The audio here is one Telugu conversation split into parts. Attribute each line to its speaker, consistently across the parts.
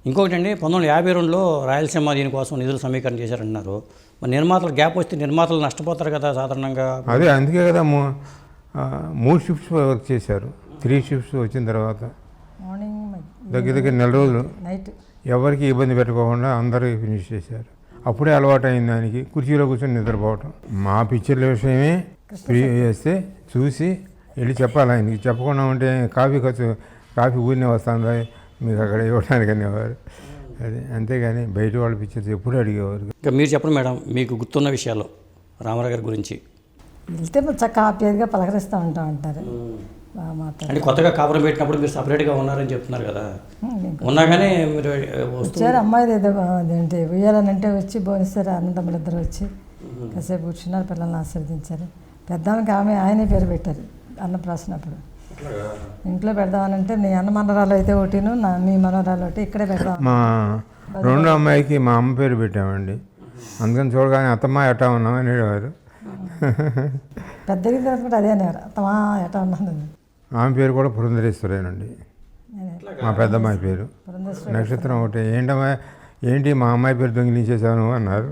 Speaker 1: ఇంకొకటండి 1952లో రాయలసీమ దీనికోసం నిధులు సమీకరణ చేశారంటున్నారు. మరి నిర్మాతలు గ్యాప్ వస్తే నిర్మాతలు నష్టపోతారు కదా సాధారణంగా.
Speaker 2: అదే అందుకే కదా 3 షిఫ్ట్స్ వర్క్ చేశారు. 3 షిఫ్ట్స్ వచ్చిన తర్వాత దగ్గర నెల రోజులు
Speaker 3: నైట్
Speaker 2: ఎవరికి ఇబ్బంది పెట్టకోకుండా అందరికీ ఫినిష్ చేశారు. అప్పుడే అలవాటు అయింది దానికి, కుర్చీలో కూర్చొని నిద్రపోవటం. మా పిక్చర్ల విషయమే ఫ్రీ చేస్తే చూసి వెళ్ళి చెప్పాలి ఆయనకి. చెప్పకుండా ఉంటే కాఫీ ఊరినే వస్తుందా మీకు అక్కడ ఇవ్వడానికి అనేవారు. అది అంతేగాని బయట వాళ్ళ పిక్చర్స్ ఎప్పుడూ అడిగేవారు.
Speaker 1: ఇంకా మీరు చెప్పండి మేడం, మీకు గుర్తున్న విషయాలు రామారావు గారి గురించి.
Speaker 3: వెళ్తే చక్కగా హ్యాపీగా పలకరిస్తూ ఉంటారు. బాగా మాట్లాడు
Speaker 1: అంటే కొత్తగా కాపురం పెట్టినప్పుడు మీరు సపరేట్గా ఉన్నారని చెప్తున్నారు కదా. ఉన్నా కానీ మీరు
Speaker 3: వచ్చారు. అమ్మాయిది ఏదో అదేంటి ఉయ్యాలనంటే వచ్చి భోనిస్తారు. అన్నదమ్ములు ఇద్దరు వచ్చి కాసేపు కూర్చున్నారు, పిల్లల్ని ఆశీర్వదించారు. పెద్దానికి ఆయనే పేరు పెట్టారు అన్నప్రాసనప్పుడు. ఇంట్లో పెడదామనంటే నీ అన్న మనరాలు అయితే ఒకటిను మీ మనరాలు ఒకటి ఇక్కడే పెడదాం.
Speaker 2: మా రెండో అమ్మాయికి మా అమ్మ పేరు పెట్టామండి. అందుకని చూడగానే అత్తమ్మ ఎట్టా ఉన్నాం అనేవారు.
Speaker 3: పెద్దకి కూడా అదే అనేవారు, అత్తమా ఎట్టా ఉన్నాను.
Speaker 2: ఆమె పేరు కూడా పురంధరేశ్వరేనండి, మా పెద్దమ్మాయి పేరు. నక్షత్రం ఒకటి. ఏంటి మా అమ్మాయి పేరు దొంగిలించేసాను అన్నారు.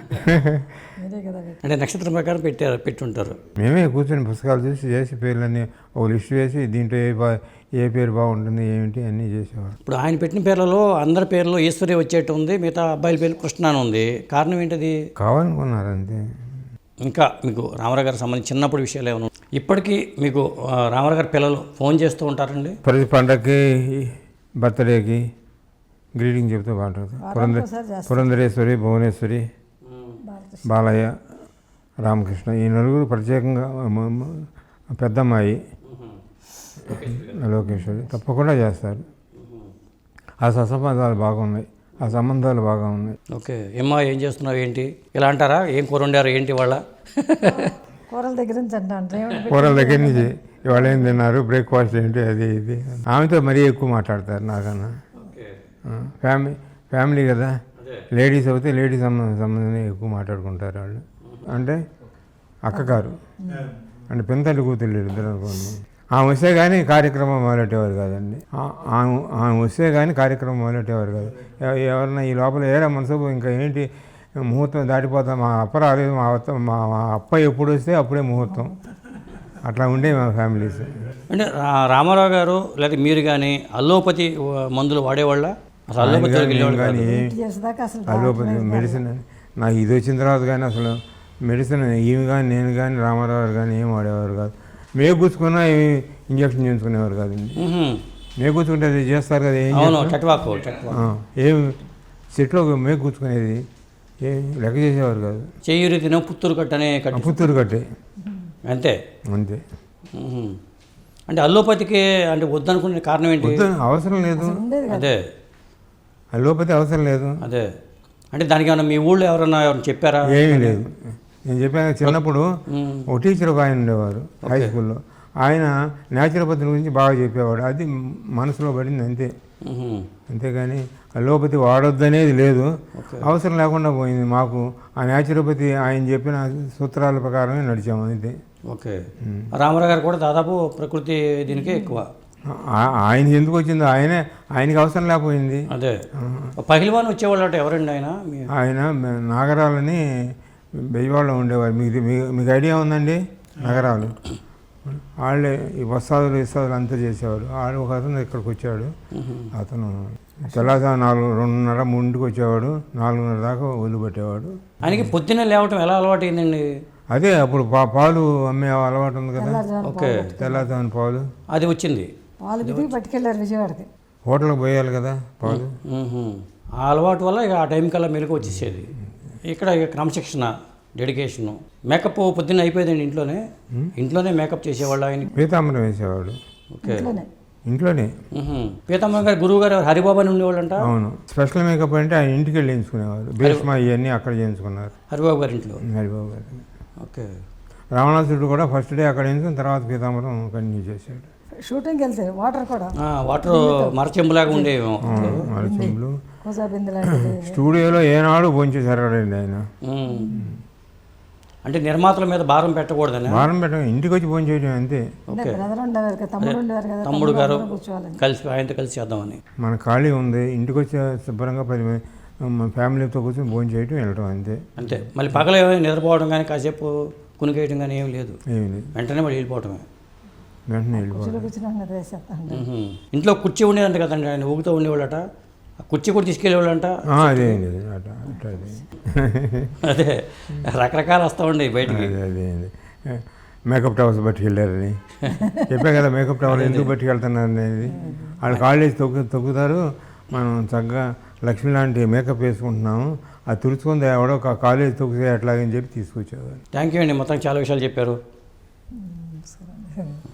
Speaker 1: అంటే నక్షత్రం ప్రకారం పెట్టుంటారు.
Speaker 2: మేమే కూర్చొని పుస్తకాలు చేసి పేర్లన్నీ ఒక లిస్ట్ వేసి దీంట్లో ఏ పేరు బాగుంటుంది ఏమిటి అన్నీ చేసేవారు.
Speaker 1: ఇప్పుడు ఆయన పెట్టిన పేర్లలో అందరి పేర్లో ఈశ్వరి వచ్చేట్టు ఉంది, మిగతా అబ్బాయిల పేరు కృష్ణ అని ఉంది. కారణం ఏంటిది?
Speaker 2: కావాలనుకున్నారు అంతే.
Speaker 1: ఇంకా మీకు రామారావు గారికి సంబంధించి చిన్నప్పుడు విషయాలు ఏమైనా ఇప్పటికీ మీకు రామారావు గారి పిల్లలు ఫోన్ చేస్తూ ఉంటారండి?
Speaker 2: ప్రతి పండగకి బర్త్డేకి గ్రీటింగ్ చెప్తూ బాగుంటుంది. పురంధరేశ్వరి, భువనేశ్వరి, బాలయ్య, రామకృష్ణ, ఈ నలుగురు ప్రత్యేకంగా పెద్దమ్మాయి లోకేశ్వరి తప్పకుండా చేస్తారు. ఆ సత్సంబంధాలు బాగున్నాయి, ఆ సంబంధాలు బాగా ఉన్నాయి.
Speaker 1: ఓకే. ఏం చేస్తున్నావు ఏంటి ఇలా అంటారా? ఏం కూర వండారు ఏంటి వాళ్ళ?
Speaker 3: కూరల దగ్గర నుంచి
Speaker 2: కూరల దగ్గర నుంచి ఇవాళ ఏం తిన్నారు, బ్రేక్ఫాస్ట్ ఏంటి, అది ఇది. ఆమెతో మరీ ఎక్కువ మాట్లాడతారు నాకన్నా. ఫ్యామిలీ కదా, లేడీస్ అయితే లేడీస్ సంబంధం ఎక్కువ మాట్లాడుకుంటారు వాళ్ళు. అంటే అక్కగారు అంటే పెంతల్లి కూతుళ్ళు ఇద్దరు అనుకోండి. ఆమె వస్తే కానీ కార్యక్రమం మొదలెట్టేవారు కాదండి. ఆమె వస్తే కానీ కార్యక్రమం మొదలెట్టేవారు కాదు. ఎవరన్నా ఈ లోపల ఏరా మనసు ఇంకా ఏంటి ముహూర్తం దాటిపోతాం, మా అప్ప రాలేదు, మా అప్ప ఎప్పుడు వస్తే అప్పుడే ముహూర్తం, అట్లా ఉండే మా ఫ్యామిలీస్.
Speaker 1: అంటే రామారావు గారు లేదా మీరు కానీ అల్లోపతి మందులు వాడేవాళ్ళ? అసలు అల్లోపతి
Speaker 2: అల్లోపతి మెడిసిన్ నాకు ఇది వచ్చిన తర్వాత కానీ అసలు మెడిసిన్ ఈమె కానీ నేను కానీ రామారావు గారు కానీ ఏం వాడేవారు కాదు. మేకు కూర్చుకున్నా ఇంజక్షన్ చేయించుకునేవారు కాదండి. మేకు కూర్చుకుంటే అది చేస్తారు కదా, ఏం చెట్లో మేకు కూర్చుకునేది ఏం లెక్క చేసేవారు కాదు.
Speaker 1: చెయ్యూరి తిన పుత్తూరు
Speaker 2: కట్టే
Speaker 1: అంతే. అంటే అల్లోపతికి అంటే వద్దనుకునే కారణం ఏంటి?
Speaker 2: అవసరం లేదు.
Speaker 1: అదే
Speaker 2: అల్లోపతి అవసరం లేదు.
Speaker 1: అదే అంటే దానికి ఏమన్నా మీ ఊళ్ళో ఎవరైనా చెప్పారా?
Speaker 2: ఏమీ లేదు. నేను చెప్పాను చిన్నప్పుడు ఒక టీచర్ ఒక ఆయన ఉండేవారు హై స్కూల్లో. ఆయన న్యాచురోపతి గురించి బాగా చెప్పేవాడు. అది మనసులో పడింది అంతే. అంతేగాని అల్లోపతి వాడొద్దనేది లేదు, అవసరం లేకుండా పోయింది. మాకు ఆ న్యాచురోపతి ఆయన చెప్పిన సూత్రాల ప్రకారమే నడిచాము అంతే.
Speaker 1: ఓకే. రామారావు గారు కూడా దాదాపు ప్రకృతి దీనికే ఎక్కువ.
Speaker 2: ఆయన ఎందుకు వచ్చిందో ఆయనకి అవసరం లేకపోయింది.
Speaker 1: అదే పహిల్వాన్ వచ్చేవాళ్ళు అంటే ఎవరండి
Speaker 2: ఆయన నాగరాలని బెజవాడలో ఉండేవారు. మీకు ఐడియా ఉందండి? నగరాలు వాళ్ళే ఈ వస్తాదులు అంతా చేసేవారు. వాళ్ళు ఒక అతను ఇక్కడికి వచ్చాడు. అతను తెల్లవారు 2:30, 3కి వచ్చేవాడు, 4:30 దాకా వదిలిపెట్టేవాడు.
Speaker 1: ఆయనకి పొద్దున్నే లేవటం ఎలా అలవాటు అయిందండి?
Speaker 2: అదే అప్పుడు పాలు అమ్మే అలవాటు ఉంది కదా.
Speaker 1: ఓకే.
Speaker 2: తెల్లవారు పాలు
Speaker 1: అది వచ్చింది.
Speaker 3: పట్టుకెళ్ళారు విజయవాడకి,
Speaker 2: హోటల్కి పోయాలి కదా పాలు.
Speaker 1: ఆ అలవాటు వల్ల ఇక ఆ టైం కల్లా మెలకు వచ్చేసేది. ఇక్కడ క్రమశిక్షణ, డెడికేషను. మేకప్ పొద్దున్న అయిపోయిందండి ఇంట్లోనే మేకప్ చేసేవాళ్ళు. ఆయన
Speaker 2: పీతాంబరం వేసేవాడు.
Speaker 1: ఓకే.
Speaker 2: ఇంట్లోనే.
Speaker 1: పీతాంబరం గారు గురువు గారు హరిబాబు అని ఉండేవాళ్ళు అంట.
Speaker 2: అవును. స్పెషల్ మేకప్ అంటే ఆయన ఇంటికి వెళ్ళి చేయించుకునేవారు. భీష్మ ఇవన్నీ అక్కడ చేయించుకున్నారు
Speaker 1: హరిబాబు గారి ఇంట్లో.
Speaker 2: హరిబాబు గారు.
Speaker 1: ఓకే.
Speaker 2: రావణాసురుడు కూడా ఫస్ట్ డే అక్కడ చేయించుకుని తర్వాత పీతాంబరం కంటిన్యూ చేశాడు.
Speaker 3: షూటింగ్కి వెళ్తే
Speaker 1: వాటర్ మరచెంబులాగా ఉండేవి.
Speaker 2: మరచెంబులు స్టూడియోలో ఏనాడు భోంచేసారండి ఆయన.
Speaker 1: అంటే నిర్మాతల మీద భారం పెట్టకూడదని
Speaker 2: వారం పెట్టడం ఇంటికి వచ్చి ఫోన్ చేయడం అంతే.
Speaker 3: అంటే బ్రదర్ ఉండేవారు కదా, తమ్ముడు ఉండేవారు కదా,
Speaker 1: తమ్ముడు గారు
Speaker 3: కూర్చోవాలని.
Speaker 1: కలిసి ఆయనతో కలిసి చేద్దామని.
Speaker 2: మన ఖాళీ ఉంది, ఇంటికి వచ్చి శుభ్రంగా 10 మంది మన ఫ్యామిలీతో కూర్చొని ఫోన్ చేయడం వెళ్ళటం అంతే.
Speaker 1: అంతే. మళ్ళీ పగల నిద్రపోవడం కానీ కాసేపు కునికేయడం కానీ ఏం లేదు,
Speaker 2: ఏమి లేదు,
Speaker 1: వెంటనే మళ్ళీ వెళ్ళిపోవటమే.
Speaker 2: వెంటనే వెళ్ళిపోవడం.
Speaker 3: కూర్చున్నాం కదా వేసేస్తాను.
Speaker 1: ఇంట్లో కుర్చీ ఉండేదంట కదండి, ఆయన ఊగుతూ ఉండేవాళ్ళట, ఆ కుర్చీ కూడా తీసుకెళ్ళేవాళ్ళంట.
Speaker 2: అదే లేదు అట్లా అట్లా
Speaker 1: అదే రకరకాలు వస్తూ ఉండేవి బయటికి.
Speaker 2: అదే మేకప్ టవర్స్ బట్టి వెళ్ళారని చెప్పా కదా, మేకప్ టవర్ ఎందుకు బట్టి వెళ్తున్నారు అనేది. వాళ్ళు కాలేజ్ తొక్కుతారు, మనం చక్కగా లక్ష్మి లాంటి మేకప్ వేసుకుంటున్నాము, అది తుడుచుకుంది ఎవడో కాలేజ్ తొక్కితే ఎట్లాగని చెప్పి తీసుకొచ్చేవారు.
Speaker 1: థ్యాంక్ యూ అండి, మొత్తం చాలా విషయాలు చెప్పారు.